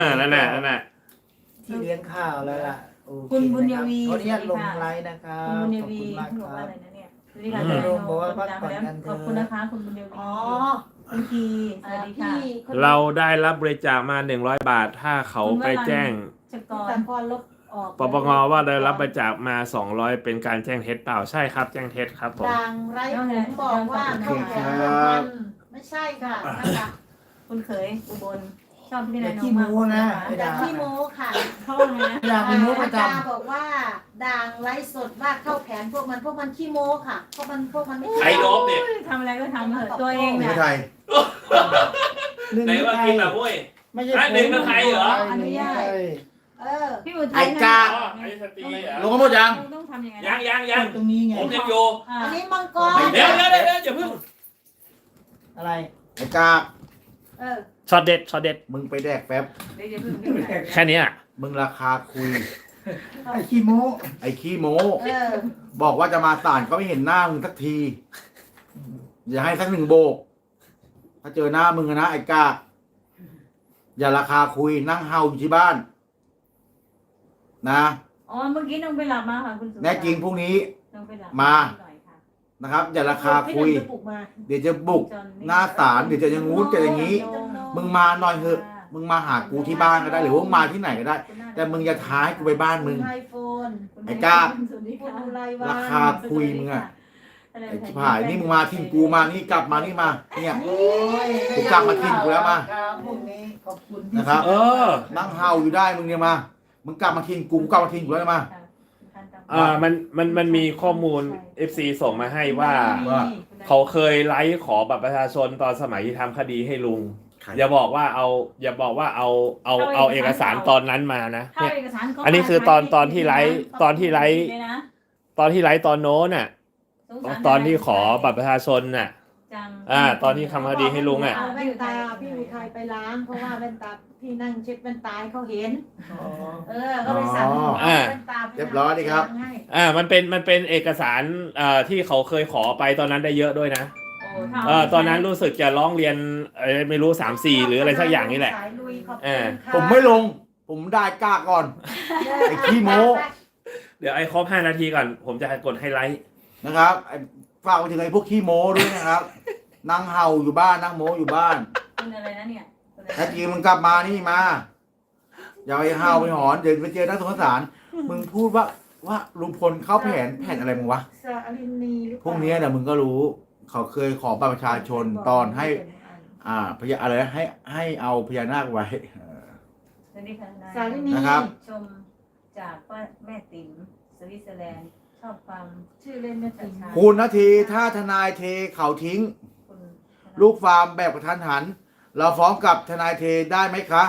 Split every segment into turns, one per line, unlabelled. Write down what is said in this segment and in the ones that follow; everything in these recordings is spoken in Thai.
นั่นแหละ
ที่เลี้ยงข้าวแล้วล่ะ
คุณบุญยวี
ขออนุญาตลงไลน์นะครับ
คุณบุญย
ขอบ
วี
คุณมาก
คุณบ
ค
อกว่า
รับ
อะไรนะเนี่ยสวัสดีค่ะ
บอกว่าพักผ่อนกันเถอะ
ขอบคุณนะคะคุณบุญยวี
อ๋อ
คุณพีสวัสดีค่ะ
เราได้รับบริจาคมา100 บาทถ้าเขาไปแจ้ง
จัก
แต่
ร
พอลบออก
ปปงว่าได้รับบริจาคมา200เป็นการแจ้งเท็จเปล่าใช่ครับแจ้งเท็จครับผม
ดังไรผมบอกว่าเข้าแถวมันไม่ใช่ค่ะนะคะ
คุณเขยอุบลชอบพี่นายน้
ขี้
องมาก
โม้นะ
แต่ขี้โม้ค่ะ
เขาว่าไงนะ
ด่าเป็นโม้ประจ
อาจารย์บอกว่าดังไลฟ์สดว่าเข้าแผนพวกมันขี้โม้ค่ะพวกมันไม่
ใครลบเนี่ย
ทำอะไรก็ทำเถอะตัวเอง
ไม่
เนี่ย
ไทย
ำ
ไหนว่ากินแบบเว้ย
ไม่ใช่
หนึ่งเป็นไทยเหรอ
อนุญาต
เออ
พี่อุทัย
ไอ้กา
อ๋อไอ้สตรีเหรอ
ลงมาหมดยัง
ต้องทำยังไง
ยัง
ตรงนี้ไง
ผมยังอยู่
อันนี้มังกร
เดี๋ยวอย่าเพิ่ง
อะไร
ไอ้กา
เออ
ช็อตเด็ด
มึงไปแดกแป๊บ
เดี๋ยวอย่าเพิ่ง
แค่นี้อ่ะ
มึงราคาคุย
ไอ้ขี้โม้
ไอ้ขี้โม้
เออ
บอกว่าจะมาศาลก็ไม่เห็นหน้ามึงสักที อย่าให้สัก1 โบก ถ้าเจอหน้ามึงอะนะไอ้กา อย่าราคาคุยนั่งเฮาอยู่ที่บ้าน นะ
อ๋อเมื่อกี้น้องไปหลับมาค่ะคุณสุ
แน่จริงพรุ่งนี้
น้องไปหลับ
มา
หน่อยค่ะ
นะครับ อย่าราคาคุย
พี่หนึ่งจะปลุกมา
เดี๋ยวจะบุกหน้าศาลเดี๋ยวจะอย่างงู้นจะอย่างนี้ มึงมาหน่อยเถอะ มึงมาหากูที่บ้านก็ได้ หรือว่ามึงมาที่ไหนก็ได้ แต่มึงอย่าท้าให้กูไปบ้านมึง
ไอโฟน
ไอ้ก้า
สวัสดี
คุณ
ค่ะ
อุไรวัน
ราคาคุยมึงอะไอ้ชิบหายนี่มึงมาทิ้งกูมานี่กลับมานี่มา เนี่ย
โอ้ย
กูกลับมาทิ้งกูแล้วมา
ครับพวกนี้ขอบคุณที่
นะครับ
เออ
นั่งเฮาอยู่ได้มึงเนี่ยมา มึงกลับมาทิ้งกูกลับมาทิ้งกูแล้วมา
มันมีข้อมูล FC ส่งมาให้ว่า เขาเคยไลฟ์ขอบัตรประชาชนตอนสมัยที่ทำคดีให้ลุง อย่าบอกว่าเอาเอกสารตอนนั้นมานะ
เข้า
เนี่ย
เอกสารก็
อันนี้คือตอนที่ไลฟ์ตอนที่ไลฟ์
เลยนะ
ตอนที่ไลฟ์ตอนโน้นน่ะ
สงสาร
ตอนที่ขอบัตรประชาชนน่ะ
จัง
ตอนที่ทำคดีให้ลุงอ่ะ
เอาแว่นตาพี่อุทัยไปล้างเพราะว่าแว่นตาพี่นั่งเช็ดแว่นตาให้เขาเห็น
อ๋อ
ก็ไปสั่ง
อ่า
แว่นตาไป
เรียบร้อยดีครับ
ให้
มันเป็นเอกสารที่เขาเคยขอไปตอนนั้นได้เยอะด้วยนะ
โอ้ถ้า
ตอนนั้นรู้สึกจะร้องเรียนไม่รู้3-4หรืออะไรสักอย่างนี่แหละ
สายลุยขอบ
เอ
คุณ
อ
ค่ะ
ผมไม่ลง ผมได้กล้าก่อน ไอ้ขี้โม้
เดี๋ยวไอ้ครบ5 นาทีก่อน ผมจะกดไฮไลท์
นะครับไอ้ฝากไปถึงไอ้พวกขี้โม้ด้วยนะครับ นั่งเฮาอยู่บ้านนั่งโม้อยู่บ้าน
คุณอะไรนะเนี่ยคุณอะไร
ถ้าจริงมึงกลับมานี่มา อย่าไปเฮาไปหอนเดี๋ยวไปเจอนักสงสาร มึงพูดว่าลุงพลเข้าแผนอะไรมึงวะ
สาลินีหรือเป
พ
ล่า
วกเนี้ยเนี่ยมึงก็รู้ เขาเคยขอบัตรประชาชนตอนให้ พญาอะไรนะให้เอาพญานาคไว้
สวัสดีค่ะนาย
สาลินี
นะครับ
ชมจากแม่ติ๋มสวิตเซอร์แลนด์ชอบฟัง
ชื่อเล่นแม่ติ๋ม
คุณนาทีถ้าทนายเทเขาทิ้ง
คุณ
ลูกฟาร์มแบบกระทันหัน เราฟ้องกับทนายเทได้ไหมคะ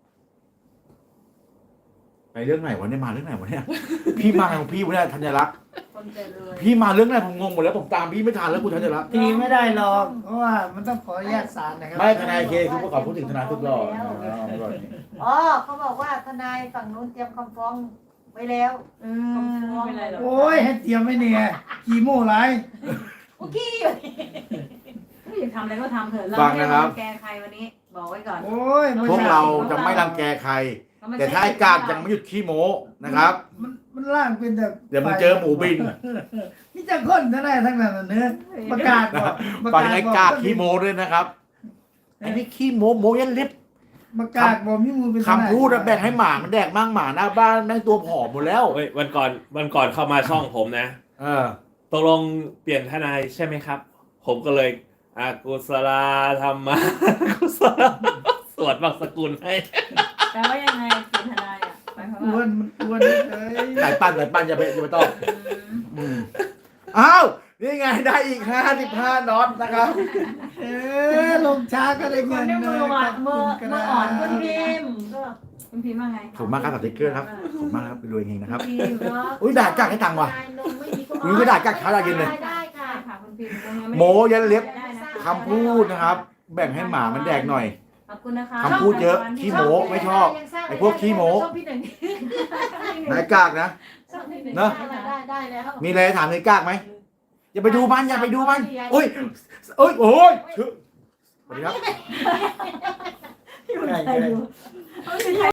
ไปเรื่องไหนวะเนี่ยมาเรื่องไหนวะเนี่ย พี่มาของพี่วะเนี่ยธัญรักษ์
คนจะรวย
พี่มาเรื่องไหนผมงงหมดแล้วผมตามพี่ไม่ทันแล้วคุณธัญรักษ์
ตีไม่ได้หรอก เพราะว่ามันต้องขออนุญาตศาลนะครับ
ไม่ทนายเคคือพวกเขาพูดถึงทนายทุกรอบ
อ๋อเขาบอกว่าทนายฝั่งนู้นเตรียมคำฟ้องไว้แล้ว
ไม่เป็นไรหรอก
โอ้ยให้เตรียมไว้เนี่ยขี้โม้ไร
โอเค
ไม่อยากทำอะไรก็ทำเถอะเรา
ฟัง
ไม่
นะค
ได้
รับ
รังแกใครวันนี้บอกไว้ก่อน
โอ้ย
พวกเราจะไม่รังแกใคร แต่ถ้าไอ้กากยังไม่หยุดขี้โม้นะครับ
มันล่างเป็นแบบ
เดี๋ยวมึงเจอหมูบิน
นี่จะค้นทั้งนั้นทั้งนั้นเนื้อประกาศบอก
ฟังไอ้กากขี้โม้ด้วยนะครับไอ้นี่ขี้โม้โม้ยันเล็บ
ประกาศบอกมีมือเป็น
คำพูดอะแบ่งให้หมามันแดกมั่งหมาหน้าบ้านแม่งตัวผอมหมดแล้ว
เฮ้ยวันก่อนเข้ามาช่องผมนะ
เออ
ตกลงเปลี่ยนทนายใช่ไหมครับ ผมก็เลยอากุศลาธรรมะกุศลสวดบางสกุลให้
แปลว่ายังไงคุณทนายอ่ะหมายความ
อ้ว
ว่าน
อ้วนเลย
สายปั้นอย่าไปต้องอ้าวนี่ไงได้อีก55น็อตนะครับ
ลงช้าก็ได้
ค
เงิ
น
น
ที่
เล
มือย หวานมืออ่อนคุณพิมพ์ก็คุณพิมพ์ว่าไง
ขอบคุณมากครับสติ๊กเกอร์ครับขอบคุณมากครับไปรวยเองนะครับ
คุณพิมพ์เนาะ
อุ้ยด่ากากให้ตังค์ว่ะ อุ๊ยก็ด่ากากเช้าด่าเย็นเลย
ได้ค่ะ
ได้ค่ะคุณพิมพ์ยังไม่
โมยันเล็บ
ได้นะคะ
คำพูดนะครับ แบ่งให้หมามันแดกหน่อย
ขอบคุณนะคะ
คำพูดเยอะขี้โม้ไม่ชอบ ไอ้พวกขี้โม้
ชอบพี่หนึ่ง
นายกากนะ
ชอบพี่หนึ่ง
เนอะ
ได้แล้ว
มีอะไรถามนายกากไหมอย่าไปดูมันอย่าไปดูมันโอ้ยโอ้ยชื่อสวัสดีครับ
พี่อุทัยดูเอาสิ